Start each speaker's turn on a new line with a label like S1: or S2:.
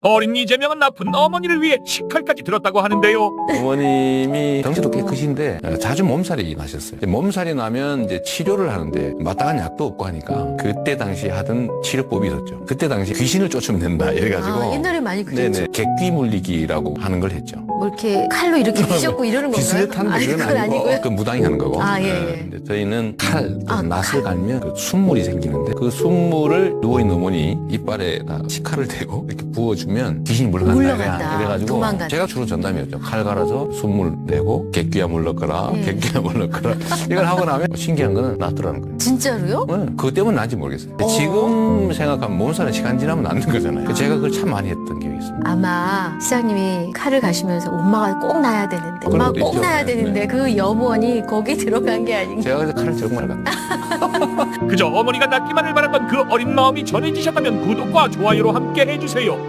S1: 어린 이재명은 나쁜 어머니를 위해 식칼까지 들었다고 하는데요.
S2: 어머님이 덩치도 꽤 크신데 자주 몸살이 나셨어요. 몸살이 나면 이제 치료를 하는데 마땅한 약도 없고 하니까 그때 당시 하던 치료법이 있었죠. 그때 당시 귀신을 쫓으면 된다 이래가지고
S3: 옛날에 많이 그랬죠.
S2: 네네 객귀 물리기라고 하는 걸 했죠.
S3: 뭐 이렇게 칼로 이렇게 휘젓고 이러는 건가요?
S2: 비슷한
S3: 아니,
S2: 그건
S3: 그건
S2: 아니고
S3: 아니고요.
S2: 그 무당이 하는 거고.
S3: 예.
S2: 근데 저희는 칼,
S3: 아,
S2: 낫을 갈면 그 순물이 생기는데 그 순물을 누워있는 어머니 이빨에다 식칼을 대고 이렇게 부어주면 귀신이 물러간다. 이래가지고
S3: 도망간다.
S2: 제가 주로 전담이었죠. 칼 갈아서 순물 내고 객귀야 물러거라, 객귀야 물러거라. 이걸 하고 나면 신기한 거는 낫더라는 거예요.
S3: 진짜로요?
S2: 네, 그것 때문에 난지 모르겠어요. 지금 생각하면 몸살은 시간 지나면 낫는 거잖아요. 제가 그걸 참 많이 했던 기억이 있습니다.
S3: 아마 시장님이 칼을 가시면서 엄마가 꼭 나야 되는데,
S2: 그런
S3: 엄마가
S2: 것도
S3: 꼭
S2: 있죠.
S3: 나야
S2: 네,
S3: 되는데
S2: 네.
S3: 그 염원이 거기 들어간 게 아닌가.
S2: 제가 그래서 칼을 정말 갔다.
S1: 그저 어머니가 낫기만을 바랐던 그 어린 마음이 전해지셨다면 구독과 좋아요로 함께 해주세요.